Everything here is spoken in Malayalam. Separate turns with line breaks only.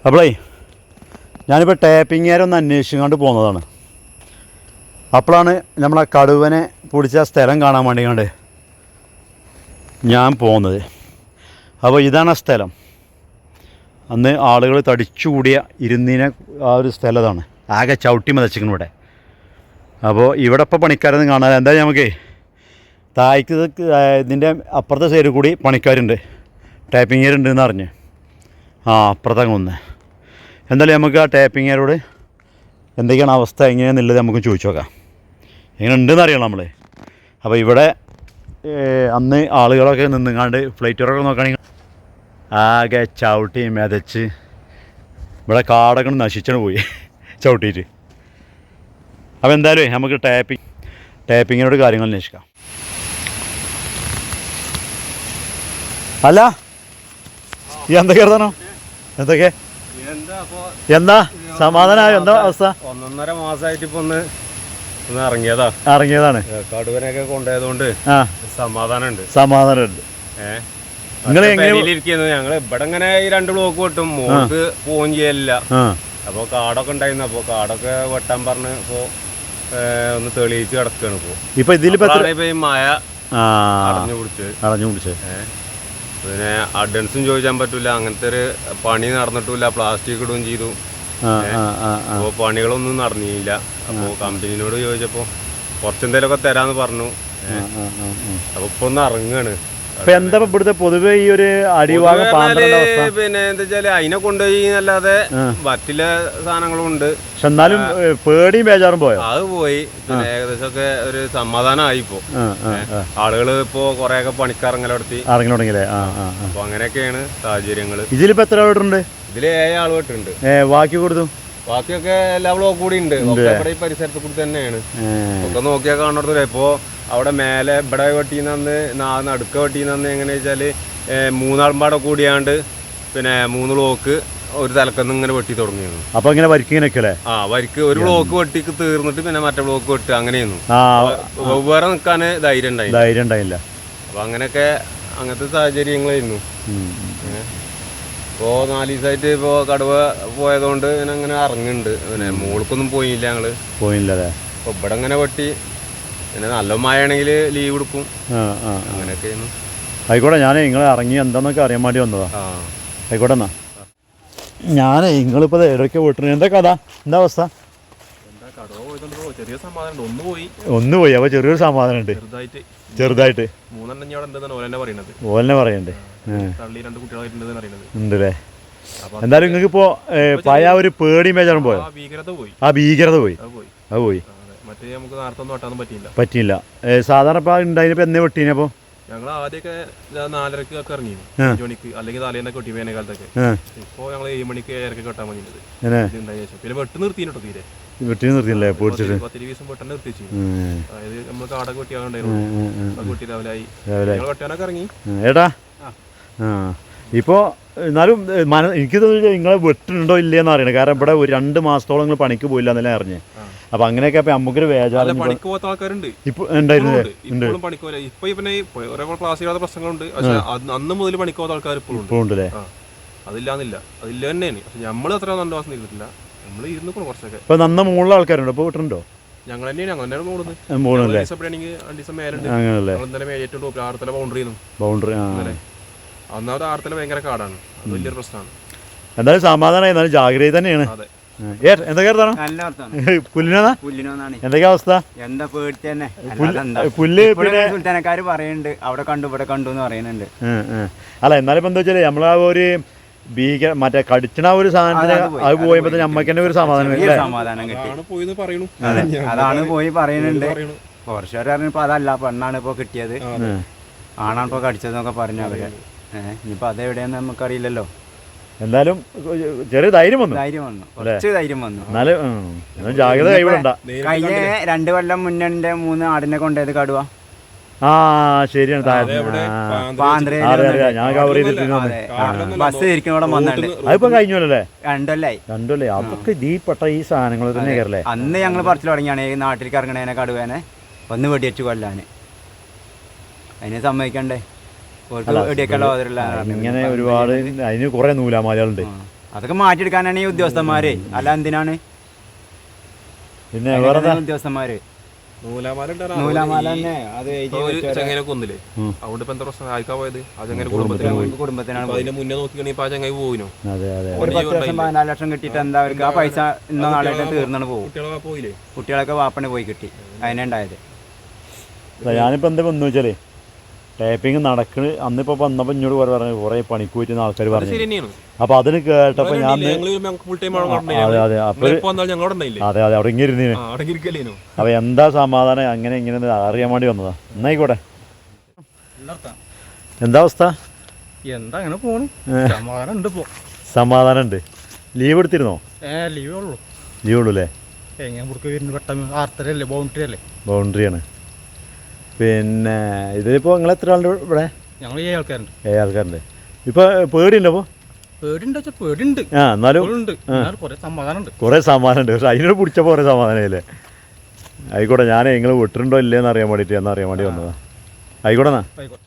അപ്പോളേ ഞാനിപ്പോൾ ടാപ്പിങ്ങേരെ ഒന്ന് അന്വേഷിച്ചുകൊണ്ട് പോകുന്നതാണ്. അപ്പോഴാണ് നമ്മളെ കടുവനെ പിടിച്ച സ്ഥലം കാണാൻ വേണ്ടിക്കൊണ്ട് ഞാൻ പോകുന്നത്. അപ്പോൾ ഇതാണ് ആ സ്ഥലം. അന്ന് ആളുകൾ തടിച്ചുകൂടിയ ഇരുന്നീനെ ആ ഒരു സ്ഥലം ഇതാണ്. ആകെ ചവിട്ടി മതച്ചിരിക്കുന്നു ഇവിടെ. അപ്പോൾ ഇവിടെ ഇപ്പോൾ പണിക്കാരൊന്നും കാണാതെ എന്തായാലും നമുക്ക് തായ്ക്ക് ഇതിൻ്റെ അപ്പുറത്തെ സൈഡിൽ കൂടി പണിക്കാരുണ്ട്, ടാപ്പിങ്ങേരുണ്ടെന്ന് അറിഞ്ഞ്. അപ്പുറത്തങ്ങ് ഒന്ന് എന്തായാലും നമുക്ക് ആ ടാപ്പിങ്ങേരോട് എന്തൊക്കെയാണ് അവസ്ഥ എങ്ങനെയാണെന്നുള്ളത് നമുക്ക് ചോദിച്ചു നോക്കാം. എങ്ങനെ ഉണ്ടെന്ന് അറിയണം നമ്മൾ. അപ്പോൾ ഇവിടെ അന്ന് ആളുകളൊക്കെ നിന്നുങ്ങാണ്ട് ഫ്ലൈറ്റുകളൊക്കെ നോക്കുകയാണെങ്കിൽ ആകെ ചവിട്ടി മെതച്ച് ഇവിടെ കാടൊക്കെ നശിച്ചാണ് പോയി ചവിട്ടിയിട്ട്. അപ്പോൾ എന്തായാലും നമുക്ക് ടാപ്പിങ്ങിനോട് കാര്യങ്ങൾ അന്വേഷിക്കാം. അല്ല എന്തൊക്കെയാണോ എന്തൊക്കെ എന്താ സമാധാനമായോ? എന്താ അവസ്ഥ?
1.5 മാസമായിട്ട് ഇപ്പൊ ഒന്ന്
ഇറങ്ങിയതാണ്.
കടുവനൊക്കെ കൊണ്ടുപോയതുകൊണ്ട് സമാധാനമുണ്ട്. ഞങ്ങള് ഇവിടെ ഇങ്ങനെ ഈ 2 ബ്ലോക്ക് വെട്ടും, മോൾക്ക് പോവും ചെയ്യല്ല. അപ്പൊ കാടൊക്കെ ഉണ്ടായിരുന്നു. അപ്പൊ കാടൊക്കെ വെട്ടാൻ പറഞ്ഞ് ഇപ്പൊ ഒന്ന് തെളിയിച്ച് കിടക്കാണ്.
ഇപ്പൊ ഇതിലിപ്പോ
ഈ മഴ അടഞ്ഞു പിടിച്ച് പിന്നെ അഡ്വാൻസും ചോദിക്കാൻ പറ്റൂല. അങ്ങനത്തെ ഒരു പണി നടന്നിട്ടില്ല. പ്ലാസ്റ്റിക് ഇടുകയും ചെയ്തു. അപ്പോൾ പണികളൊന്നും നടന്നില്ല. അപ്പോൾ കമ്പനിനോട് ചോദിച്ചപ്പോ കുറച്ചെന്തേലൊക്കെ തരാന്ന് പറഞ്ഞു. അപ്പൊ ഇപ്പൊ ഒന്ന് ഇറങ്ങാണ്.
എന്താ ഇവിടുത്തെ പൊതുവെ ഈ ഒരു അടിഭാഗം
പിന്നെ എന്താ വെച്ചാല് അതിനെ കൊണ്ടുപോയി അല്ലാതെ മറ്റുള്ള സാധനങ്ങളും ഉണ്ട്.
പക്ഷെ എന്നാലും പേടിയും ബേജാറും പോയോ?
അത് പോയി. പിന്നെ ഏകദേശം ഒക്കെ ഒരു സമാധാനമായി. ഇപ്പോ ആളുകൾ ഇപ്പോ കൊറേയൊക്കെ പണിക്കിറങ്ങി
തുടങ്ങിയില്ലേ?
അപ്പൊ അങ്ങനെയൊക്കെയാണ് സാഹചര്യങ്ങള്.
ഇതിലിപ്പോ എത്ര വീട്ടുണ്ട്?
ഇതില് 7 ആൾ വീട്ടുണ്ട്.
ബാക്കി കൊടുത്തു
ബാക്കിയൊക്കെ എല്ലാ ബ്ലോക്ക് കൂടി ഉണ്ട്. ഇവിടെ ഈ പരിസരത്ത് കൂടി തന്നെയാണ്. ഒക്കെ നോക്കിയാൽ കാണുന്നത്. ഇപ്പോ അവിടെ മേലെ ഇവിടെ വെട്ടിന്ന് നടുക്ക വെട്ടിന്ന് എങ്ങനെ വെച്ചാല് 3 ആൾമ്പാടെ കൂടിയാണ്ട് പിന്നെ 3 ബ്ലോക്ക് ഒരു തലക്കന്ന് ഇങ്ങനെ വെട്ടി തുടങ്ങിയിരുന്നു.
അപ്പൊ ഇങ്ങനെ വരിക്കിങ്ങനെയൊക്കെ
വരിക്ക് ഒരു ബ്ലോക്ക് വെട്ടിക്ക് തീർന്നിട്ട് പിന്നെ മറ്റേ ബ്ലോക്ക് വെട്ട് അങ്ങനെയായിരുന്നു. വെവ്വേറെ നിൽക്കാന് ധൈര്യം ഉണ്ടായില്ല. അപ്പൊ അങ്ങനെയൊക്കെ അങ്ങനത്തെ സാഹചര്യങ്ങളായിരുന്നു. ഇപ്പോൾ 4 ദിവസമായിട്ട് ഇപ്പോൾ കടുവ പോയതുകൊണ്ട് അങ്ങനെ ഇറങ്ങുന്നുണ്ട്. പിന്നെ മോൾക്കൊന്നും പോയില്ല.
പോയില്ലേ?
അപ്പോൾ ഇവിടെ ഇങ്ങനെ വെട്ടി പിന്നെ നല്ല മഴ ആണെങ്കിൽ ലീവ് കൊടുക്കും. അങ്ങനെയൊക്കെയായിരുന്നു.
ആയിക്കോട്ടെ, ഞാൻ നിങ്ങളെ ഇറങ്ങി എന്താന്നൊക്കെ അറിയാൻ വേണ്ടി വന്നതാ. ആയിക്കോട്ടെ എന്നാ. ഞാൻ നിങ്ങളിപ്പോൾ എവിടെയൊക്കെ വീട്ടിന് എന്താ കഥ? എന്താ അവസ്ഥ? ഒന്ന് പോയി. അപ്പോൾ ചെറിയൊരു സമാധാനം ഉണ്ട്. ചെറുതായിട്ട് ഓലെന്നെ പറയണ്ടേ ഉണ്ടല്ലേ? എന്തായാലും നിങ്ങൾക്ക് ഇപ്പോൾ പഴയ ഒരു പേടി മേജറും പോയോ? ആ ഭീകരത പോയി. അത് പോയി. പറ്റിയില്ല. സാധാരണ ഇപ്പൊ ഉണ്ടായിപ്പോ എന്നേ വെട്ടീനപ്പോ?
ഞങ്ങൾ ആദ്യമൊക്കെ 4:30 ഒക്കെ ഇറങ്ങി, 5 മണിക്ക് അല്ലെങ്കിൽ തലേന്നൊക്കെ വെട്ടി വേനൽക്കാലത്തൊക്കെ. ഇപ്പൊ ഞങ്ങൾ 7 മണിക്ക് 7:30 കെട്ടാൻ വേണ്ടിട്ട്. പിന്നെ വെട്ട് നിർത്തിട്ടോ. തീരെ
വെട്ടി നിർത്തിയല്ലേ? പേടിച്ചിട്ട്
10 ദിവസം വെട്ടം നിർത്തിച്ചു. അതായത് നമ്മൾ കാടൊക്കെ വെട്ടിയാണ്ടായിരുന്നു. വെട്ടി രാവിലെ വെട്ടാനൊക്കെ ഇറങ്ങി.
ഏട്ടാ ഇപ്പോൾ എന്നാലും എനിക്ക് തോന്നുന്നു നിങ്ങളെ വെട്ടുണ്ടോ ഇല്ലയെന്ന് അറിയണം. കാരണം ഇവിടെ ഒരു 2 മാസത്തോളം നിങ്ങൾ പണിക്ക് പോയില്ല എന്നല്ലേ അറിഞ്ഞേ. അപ്പൊ അങ്ങനെയൊക്കെ അപ്പൊ നമുക്കൊരു വേജാറ്
പണിക്ക് പോകാത്ത ആൾക്കാരുണ്ട്.
ഇപ്പൊ ഉണ്ടായിരുന്നില്ലേ?
പണിക്കോല ഇപ്പൊ പിന്നെ ക്ലാസ്സിലാത്ത പ്രശ്നങ്ങളുണ്ട്. പക്ഷെ അന്ന് മുതൽ പണിക്ക് പോകാത്ത ആൾക്കാർ ഇപ്പോഴും ഉണ്ടല്ലേ? അതില്ലാന്നില്ല, അതില്ല തന്നെയാണ്. പക്ഷെ നമ്മൾ അത്ര 2 മാസം നിൽക്കില്ല. നമ്മൾ ഇരുന്ന് കുറച്ചൊക്കെ. ഇപ്പൊ
നന്ന മുകളിലെ ആൾക്കാരുണ്ടോ ഇപ്പൊ വീട്ടിലുണ്ടോ?
ഞങ്ങൾ തന്നെയാണ് അങ്ങനെ പോകുന്നത്. ബൗണ്ടറി ഒന്നാമത് ആർത്തല ഭയങ്കര കാടാണ്. അത് വലിയൊരു പ്രശ്നമാണ്.
എന്തായാലും സമാധാനം, എന്നാലും ജാഗ്രത തന്നെയാണ്. എന്തൊക്കെയാ അവസ്ഥ?
എന്താ പേടി തന്നെ.
പുല്ല് പിന്നെ
സുൽത്താനക്കാര് പറയുന്നുണ്ട് അവിടെ കണ്ടു ഇവിടെ കണ്ടു എന്ന് പറയുന്നുണ്ട്.
അല്ല എന്നാലും ഇപ്പൊ എന്താ വെച്ചാല് നമ്മളാ ഒരു മറ്റേ കടിച്ചണ ഒരു സാധനത്തിന് അത് പോയപ്പോ നമ്മക്ക് തന്നെ ഒരു സമാധാനം
കിട്ടി. അതാണ് പോയി പറയുന്നുണ്ട്. കുറച്ചുപേർ പറഞ്ഞപ്പോ അതല്ല, പെണ്ണാണ് ഇപ്പൊ കിട്ടിയത്, ആണാണ് ഇപ്പൊ കടിച്ചതെന്നൊക്കെ പറഞ്ഞു അവര്. ഇനിയിപ്പോ അതെവിടെയാന്ന് നമുക്കറിയില്ലല്ലോ.
എന്തായാലും ചെറിയ ധൈര്യം വന്നു.
കുറച്ച് ധൈര്യം വന്നു.
ജാഗ്രത കൈവിടണ്ട.
കഴിഞ്ഞ 2 കൊല്ലം മുന്നേ 3 ആടിനെ കൊണ്ടുപോയത് കടുവ.
ശരിയാണ്. ഞാൻ കവർ ചെയ്തിട്ട്
ബസ് ഇരിക്കുന്നവിടെ വന്നിട്ടുണ്ട്.
അതിപ്പോ കഴിഞ്ഞല്ലേ?
2 കൊല്ലായി.
അതൊക്കെ ഇതിൽപ്പെട്ട ഈ സാധനങ്ങൾ തന്നെ കയറല്ലേ?
അന്ന് ഞങ്ങൾ പറിച്ചു തുടങ്ങിയാണ് ഈ നാട്ടിലേക്ക് ഇറങ്ങണേനെ കടുവേനെ വന്ന് വെടിവെച്ച് കൊല്ലാന്. അതിനെ സമ്മതിക്കണ്ടേ?
ഇങ്ങനെ ഒരുപാട് അതിന് കുറെ നൂലാമാലകളുണ്ട്.
അതൊക്കെ മാറ്റിയെടുക്കാനാണ് ഈ ഉദ്യോഗസ്ഥന്മാര്, അല്ല എന്തിനാണ്
പിന്നെ വേറെ
ഉദ്യോഗസ്ഥന്മാര്?
നൂലാമാല
നൂലാമാല തന്നെ അത്
ചങ്ങനെ കൊന്നില്ലേ, അതുകൊണ്ട് ഇപ്പൊ എന്താ പ്രശ്നം ആയിക്കാ പോയത്? ആ ചങ്ങനെ
കുടുംബത്തിനാണ്.
അതിന്റെ മുന്നേ നോക്കിക്കണെങ്കിൽ ആ ചങ്ങായി പോയിനോ?
അതെ അതെ
ഒരു 10 ലക്ഷം 14 ലക്ഷം കിട്ടിയിട്ട് എന്താ അവർക്ക് ആ പൈസ ഇന്നോ നാളായിട്ട് തീർന്നാണ് പോകും.
കുട്ടികളൊക്കെ പോയില്ലേ?
കുട്ടികളൊക്കെ വാപ്പണി പോയി കിട്ടി, അതിനെ ഉണ്ടായത്.
ഞാനിപ്പോൾ എന്താ വന്നു വെച്ചാൽ ടാപ്പിങ് നടക്കണ്. അന്നിപ്പോൾ വന്നപ്പോൾ ഇങ്ങോട്ട് പറഞ്ഞു കുറേ പണിക്ക് പോയിട്ട് ആൾക്കാർ പറഞ്ഞു. അപ്പോൾ അതിന് കേട്ടപ്പോൾ ഞാൻ അതെ അതെ അപ്പോൾ അതെ അതെ അവിടെ ഇങ്ങനെ ഇരുന്നീന്. അപ്പോൾ എന്താ സമാധാനം അങ്ങനെ ഇങ്ങനെ അറിയാൻ വേണ്ടി വന്നതാ. എന്നായിക്കോട്ടെ. എന്താ അവസ്ഥ?
എന്താ അങ്ങനെ പോണു. സമാധാനം ഉണ്ട്. ഇപ്പോൾ
സമാധാനം ഉണ്ട്. ലീവ് എടുത്തിരുന്നോ?
ലീവേ ഉള്ളൂ.
ലീവ് ഉള്ളൂ അല്ലേ?
എങ്ങനെ പുറത്ത് വരുന്നു പെട്ടെന്ന് ആർത്തരല്ലേ, ബൗണ്ടറി അല്ലേ?
ബൗണ്ടറിയാണ്. പിന്നെ ഇതിലിപ്പോൾ നിങ്ങൾ എത്ര ആളുണ്ട് ഇവിടെ?
ഞങ്ങൾ 7 ആൾക്കാരുണ്ട്.
7 ആൾക്കാരുണ്ട്. ഇപ്പോൾ പേടിയുണ്ടോ? അപ്പോൾ
പേടിയുണ്ട് വെച്ചാൽ പേടിയുണ്ട്.
എന്നാലും
ഉണ്ട്, കുറേ സമാധാനം ഉണ്ട്.
കുറേ സമാധാനമുണ്ട്. പക്ഷെ അതിനോട് പിടിച്ചപ്പോൾ കുറേ സമാധാനമില്ലേ? ആയിക്കോട്ടെ. ഞാൻ നിങ്ങൾ വിട്ടിട്ടുണ്ടോ ഇല്ലേന്ന് അറിയാൻ വേണ്ടിയിട്ട് എന്നറിയാൻ വേണ്ടി വന്നതാണ്. ആയിക്കോട്ടെ എന്നാ.
ആയിക്കോട്ടെ.